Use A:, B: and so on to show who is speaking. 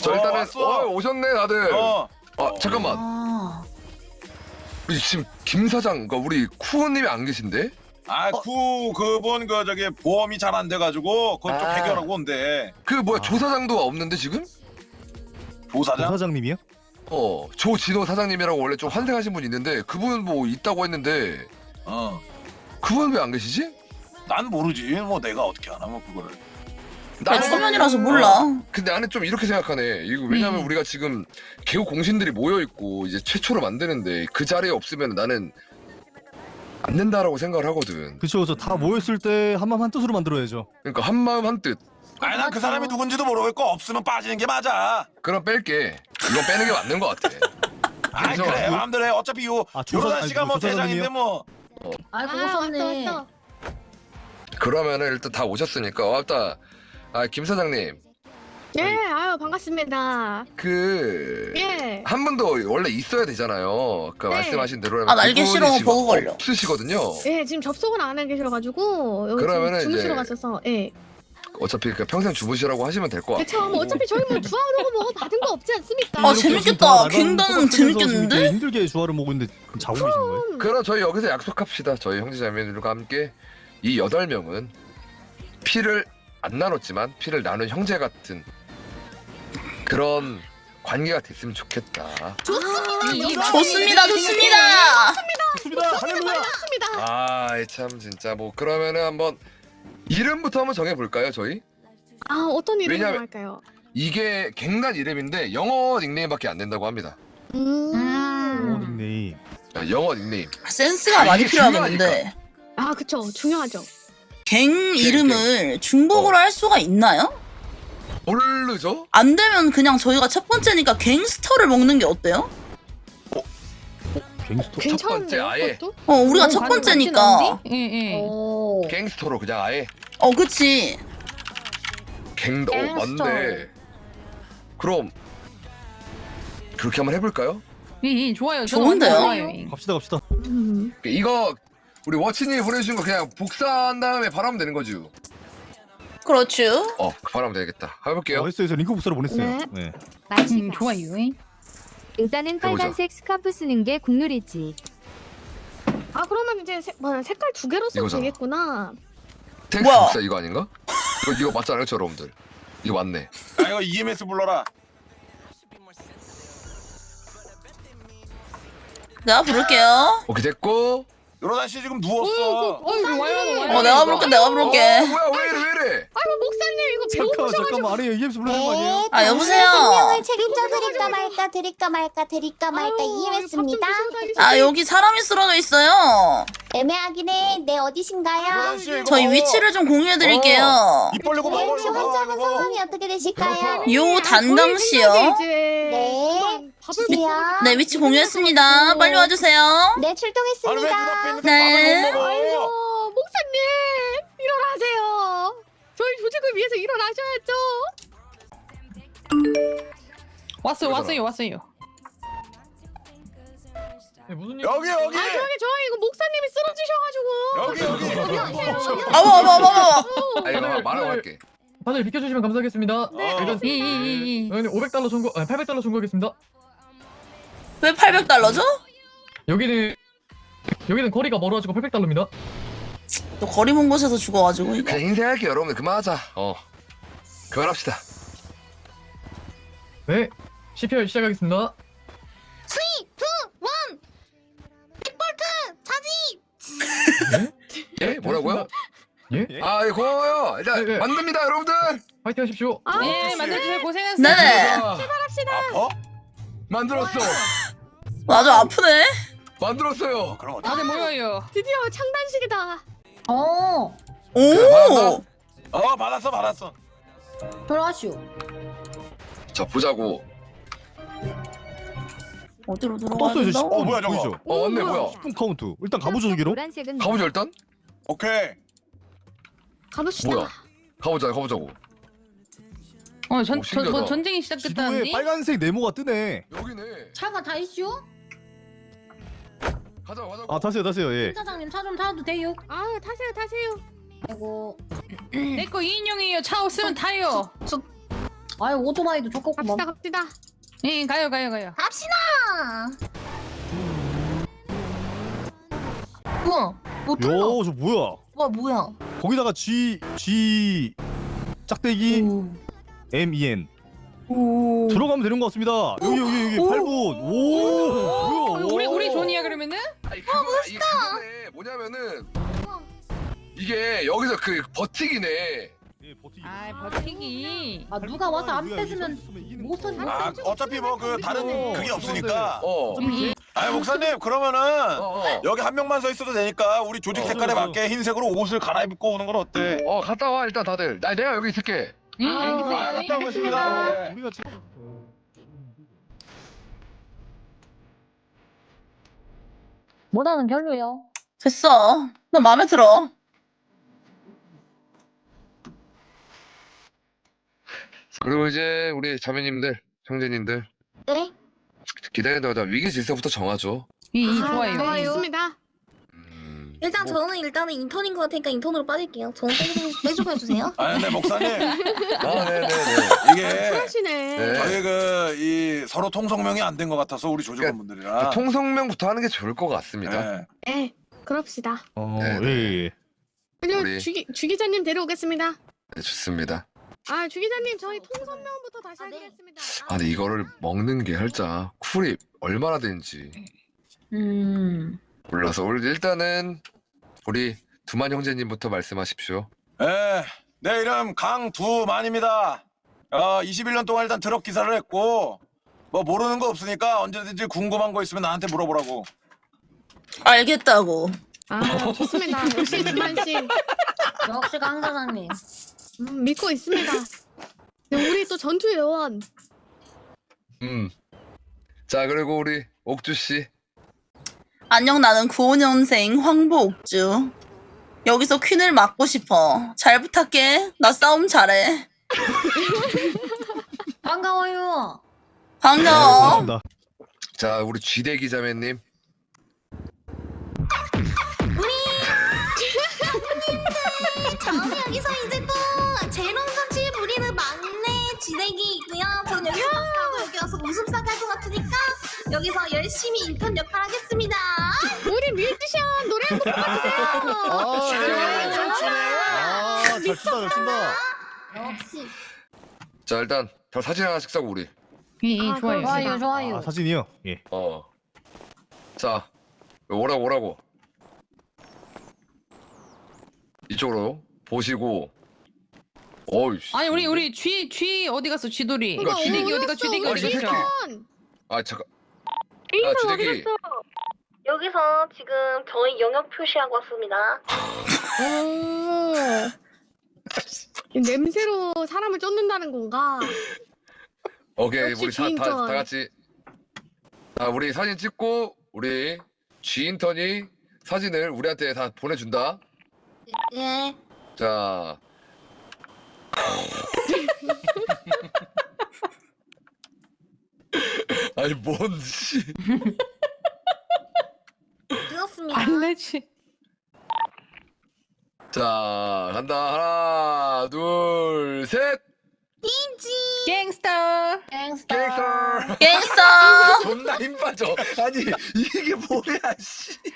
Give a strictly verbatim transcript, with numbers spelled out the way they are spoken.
A: 저
B: 어,
A: 일단은
B: 왔어.
A: 어, 오셨네 다들.
B: 어.
A: 아 잠깐만.
C: 아,
A: 우리 지금 김 사장, 그러니까 우리 쿠우님이 안 계신데?
B: 아, 쿠 그분 그 저기 보험이 잘 안 돼가지고 그것 좀
A: 아.
B: 해결하고 온대.
A: 그 뭐야
D: 아.
A: 조 사장도 없는데 지금?
B: 조사장?
D: 사장님이요?
A: 어 조진호 사장님이라고 원래 좀 환생하신 분 있는데 그분 뭐 있다고 했는데
B: 어.
A: 그분 왜 안 계시지?
B: 난 모르지. 뭐 내가 어떻게 하나 뭐 그거를.
C: 나 초면이라서 몰라.
A: 근데 나는 좀 이렇게 생각하네. 이거 왜냐면
C: 음.
A: 우리가 지금 개우 공신들이 모여 있고 이제 최초로 만드는데 그 자리에 없으면 나는 안 된다라고 생각을 하거든.
D: 그쵸, 그쵸. 다 모였을 때 한마음 한뜻으로 만들어야죠.
A: 그러니까 한 마음 한 뜻.
B: 아니 난 그 사람이 누군지도 모르겠고 없으면 빠지는 게 맞아.
A: 그럼 뺄게. 이건 빼는 게 맞는 것 같아.
B: 아니
A: 그죠?
B: 그래 마음대로 해. 어차피 요
D: 아, 조사-
B: 요로다
D: 아니,
B: 씨가 뭐
D: 조사장님이요?
B: 대장인데 뭐.
E: 아이고
F: 아,
E: 오셨네.
F: 왔어, 왔어.
A: 그러면은 일단 다 오셨으니까 왔다. 아 김 사장님
F: 예, 아유 반갑습니다.
A: 그.
F: 예.
A: 한 분도 원래 있어야 되잖아요. 아까
F: 네.
A: 말씀하신 대로라면
C: 아, 날개
A: 그분이
C: 싫어.
A: 지금
C: 버그 걸려.
A: 없으시거든요.
F: 예, 지금 접속은 안 해 계셔가지고 여기
A: 그러면은
F: 지금 주무시러
A: 이제-
F: 갔어서 예.
A: 어차피 그냥 평생 주무시라고 하시면 될 것 같아요.
F: 그쵸, 뭐 어차피 저희 뭐 주하려고 뭐 받은 거 없지 않습니까?
C: 아,
D: 이렇게
C: 재밌겠다.
D: 지금 다 나가는
C: 갱단은
D: 똑같은 데서
C: 재밌겠는데?
D: 지금 힘들게 주화를 먹고 있는데 자고 계시는 거예요?
A: 그럼 저희 여기서 약속합시다. 저희 형제자매들과 함께 이 여덟 명은 피를 안 나눴지만 피를 나눈 형제 같은 그런 관계가 됐으면 좋겠다.
C: 좋습니다, 좋습니다.
D: 좋습니다. 할렐루야.
F: 맞습니다.
A: 아, 참 진짜 뭐 그러면은 한번 이름부터 한번 정해 볼까요, 저희?
F: 아, 어떤 이름으로
A: 왜냐면-
F: 할까요?
A: 이게 갱단 이름인데 영어 닉네임밖에 안 된다고 합니다.
F: 음.
D: 오, 닉네임.
A: 아, 영어 닉네임.
C: 센스가
A: 아,
C: 많이
A: 이게
C: 필요하겠는데.
F: 아, 그쵸, 중요하죠.
C: 갱 이름을 중복으로
A: 어.
C: 할 수가 있나요?
A: 모르죠?
C: 안 되면 그냥 저희가 첫 번째니까 갱스터를 먹는 게 어때요?
D: 갱스터.
F: 괜찮은데요,
A: 번째 아예.
F: 그것도?
C: 어, 우리가
E: 어,
C: 첫
E: 가능-
C: 번째니까.
E: 예, 예.
F: 오.
A: 갱스터로 그냥 아예
C: 어, 그치.
A: 갱도 어,
F: 갱스터.
A: 맞네. 그럼 그렇게 한번 해볼까요?
E: 예, 예, 좋아요. 저도
C: 좋은데요?
E: 완전 좋아요.
D: 갑시다, 갑시다.
F: 음.
A: 이거 우리 워치님이 보내주신 거 그냥 복사한 다음에 바라면 되는 거지.
C: 그렇죠.
A: 어, 바라면 되겠다. 해볼게요.
D: 어, 했어요, 했어요. 링크 복사를 보냈어요.
F: 네.
D: 네.
E: 음, 좋아요.
G: 일단은
A: 해보자.
G: 빨간색 스카프 쓰는 게 국룰이지.
F: 아, 그러면 이제 색, 뭐, 색깔 두 개로 쓰면
A: 이거잖아.
F: 되겠구나.
A: 텍스트
C: 뭐야?
A: 복사 이거 아닌가? 이거 이거 맞지 않아요, 저 여러분들? 이거 맞네.
B: 아 이거 이엠에스 불러라.
C: 내가 부를게요.
A: 오케이 됐고.
B: 요로다 씨 지금 누웠어.
E: 어, 좋아요.
C: 어, 내가 부를게, 내가 부를게.
A: 어, 뭐야 왜 이래 왜 이래?
F: 아이고, 목사님 이거
D: 잠깐만,
F: 배고프셔가지고.
D: 잠깐만. 아니, 이엠에스 불러야 되는 거 아니에요?
C: 아, 여보세요?
H: 생명을 책임져 드릴까 말까 드릴까 말까 드릴까 말까 이해했습니다.
C: 아, 여기 사람이 쓰러져 있어요.
H: 애매하긴 해. 네 어디신가요?
B: 요로다 씨 이거
C: 저희
B: 먹어.
C: 위치를 좀 공유해드릴게요.
B: 입 벌리고
H: 네,
B: 먹어
H: 혹시
B: 이거
H: 환자분
B: 먹어.
H: 상황이 어떻게 되실까요?
C: 요 단강씨요.
H: 네.
F: 밥을
H: 주세요.
C: 네, 위치 공유했습니다. 빨리 와주세요.
H: 네,
B: 아니 왜
H: 출동했습니다.
B: 눈앞에 있는데
C: 네.
B: 밥을 못 먹어.
F: 아이고, 목사님 일어나세요. 저희 조직을 위해서 일어나셔야죠.
E: 왔어요,
A: 이거잖아.
E: 왔어요, 왔어요.
B: 여기 여기
F: 아, 저기 저 이거 목사님이 쓰러지셔가지고.
B: 여기 여기.
C: 어머, 어머, 어머, 어머.
A: 아 이거 말하고 할게.
I: 다들 비켜주시면 감사하겠습니다.
F: 네,
B: 어.
E: 예, 예, 예, 예.
I: 여기는 오백 달러 청구, 아니 팔백 달러 청구하겠습니다.
C: 왜 팔백 달러죠?
I: 여기는 여기는 거리가 멀어가지고 팔백 달러입니다.
C: 또 거리 먼 곳에서 죽어가지고 이거.
A: 그냥 인생할게 여러분들 그만하자. 어, 그만합시다.
I: 네, 씨피알 시작하겠습니다.
A: 예? 뭐라고요?
I: 예?
A: 아, 예, 고마워요. 일단
I: 네, 네.
A: 만듭니다, 여러분들.
I: 파이팅 하십시오.
F: 아,
E: 예, 만들어주세요. 고생하셨어요.
C: 네네.
B: 아파?
A: 만들었어.
C: 아주 아프네.
A: 만들었어요.
B: 그럼 어떡해.
E: 다들 모여요.
F: 드디어 창단식이다.
E: 어.
C: 오.
B: 어 받았어 받았어.
E: 들어가시오.
A: 자, 보자고.
C: 어디로 들어가야
D: 떴어요, 저
C: 된다?
D: 십 분.
B: 어, 뭐야, 저거?
D: 보이죠?
A: 어, 맞네, 뭐야.
D: 십 분 카운트. 일단 가보죠, 저기로.
G: 노란색은
A: 가보자 일단.
B: 오케이.
F: 가봅시다.
A: 뭐야? 가보자, 가보자고.
E: 어, 전,
A: 오,
E: 저,
A: 신기하다.
E: 저 전쟁이
D: 지도에
E: 시작됐다는데.
D: 빨간색 네모가 뜨네.
A: 여기네.
E: 차가 다 있슈?
A: 가자, 가자.
D: 아, 타세요, 타세요. 예.
E: 사장님 차 좀 타도 돼요?
F: 아, 타세요, 타세요.
E: 아이고. 내거 이 인용이에요. 차 없으면 타요. 아유 오토바이도 좋겠구만.
F: 갑시다 갑시다.
I: 예, 가요, 가요, 가요.
H: 갑시다.
C: 우와 뭐 틀려.
D: 요, 저 뭐야?
C: 와 뭐야.
D: 거기다가 G G 짝대기 M E N
C: 오.
D: 들어가면 되는 것 같습니다. 여기 여기 여기
C: 오.
D: 팔 분. 오, 뭐야?
I: 우리, 우리
D: 오.
I: 존이야, 그러면은?
A: 아니 그거 이게 그거네. 뭐냐면은 이게 여기서 그 버티기네.
D: 예, 버티기.
I: 아, 버티기.
E: 아 누가 와서 안
D: 누가 여기
E: 뺏으면
D: 서 있으면 이기는
E: 못
D: 거야.
E: 선-
B: 아 어차피 뭐 그 다른 그게 없으니까.
A: 어.
I: 음.
B: 아니 목사님 그러면은
A: 어, 어.
B: 여기 한 명만 서 있어도 되니까 우리 조직
A: 어,
B: 색깔에
D: 어.
B: 맞게 흰색으로 옷을 갈아입고 오는 건 어때?
A: 어 갔다 와 일단 다들. 나 내가 여기 있을게.
B: 아, 갔다 오겠습니다.
D: 우리가 지금
E: 뭐라는 별로요.
C: 됐어. 나 마음에 들어.
A: 그리고 이제 우리 자매님들, 형제님들
H: 네?
A: 기다리다가 위기 질서부터 정하죠.
I: 이, 이,
F: 아,
I: 좋아요.
F: 네,
I: 이.
F: 있습니다.
A: 음,
H: 일단
A: 뭐-
H: 저는 일단은 인턴인 것 같으니까 인턴으로 빠질게요. 저는 빼좀 해주세요.
B: 아 근데 목사님
A: 아 네네네.
B: 이게
F: 하시네.
A: 네.
B: 저희 그 이 서로 통성명이 안 된 것 같아서 우리 조직원분들이랑.
A: 통성명부터 하는 게 좋을 것 같습니다.
B: 네.
F: 네, 그럽시다.
D: 어,
A: 네,
D: 예, 예.
F: 그리고
A: 우리-
F: 주기 주기자님 데려오겠습니다.
A: 네, 좋습니다.
F: 아 주기자님 저희 통선명부터 다시
H: 아, 네.
F: 하겠습니다.
A: 아 근데 이거를 먹는 게 살짝 쿨이 얼마나 되는지
E: 음.
A: 몰라서 우리 일단은 우리 두만 형제님부터 말씀하십시오.
B: 네, 내 이름 강두만입니다. 어, 이십일 년 동안 일단 트럭 기사를 했고 뭐 모르는 거 없으니까 언제든지 궁금한 거 있으면 나한테 물어보라고.
C: 알겠다고.
F: 아 좋습니다. 역시 두만 씨
E: 역시 강 사장님.
F: 음, 믿고 있습니다. 네, 우리 또 전투 요원.
A: 음. 자 그리고 우리 옥주 씨.
C: 안녕 나는 구오 년생 황보옥주. 여기서 퀸을 맡고 싶어. 잘 부탁해. 나 싸움 잘해.
E: 반가워요.
C: 반가워.
D: 고맙습니다.
A: 자 우리 쥐대 기자매님.
H: 저는 여기서 이제 또 재롱같이 부리는 막내 지내기이고요. 저는 여기서 하고 여기 와서 웃음싸게 할 것 같으니까 여기서 열심히 인턴 역할 하겠습니다.
F: 우리 뮤지션 노래 한 곡 불러주세요.
D: 아,
B: 네, 춤추네요.
D: 아, 잘 춘다, 잘 춘다.
H: 역시.
A: 자 일단 다 사진 하나씩 싸고 우리.
I: 이, 이,
F: 아,
I: 좋아요.
F: 그럼
E: 좋아요 좋아요.
D: 아, 사진이요? 예.
A: 어. 자 오라고 오라고. 이쪽으로 보시고. 어이씨.
I: 아니, 우리, 우리 쥐, 쥐 어디 갔어, 쥐돌이?
A: 그러니까 쥐-
I: 쥐대기 어디 가, 쥐대기
A: 아,
I: 어디
A: 이 새끼.
I: 갔어?
A: 아 잠깐. 아 쥐대기.
H: 여기서 지금 저희 영역 표시하고 왔습니다.
F: 오. 냄새로 사람을 쫓는다는 건가?
A: 오케이
F: 역시
A: 우리 다, 다,
F: 쥐인턴.
A: 다 같이. 자 우리 사진 찍고 우리 쥐인턴이 사진을 우리한테 다 보내준다.
H: 예.
A: 자. 아니 뭔 씨.
H: 되었습니다.
I: 안 되지.
A: 자 간다 하나 둘 셋.
I: 갱스터.
E: 갱스터.
A: 갱스터.
C: 갱스터.
A: 존나 힘 빠져. 아니 이게 뭐야 씨.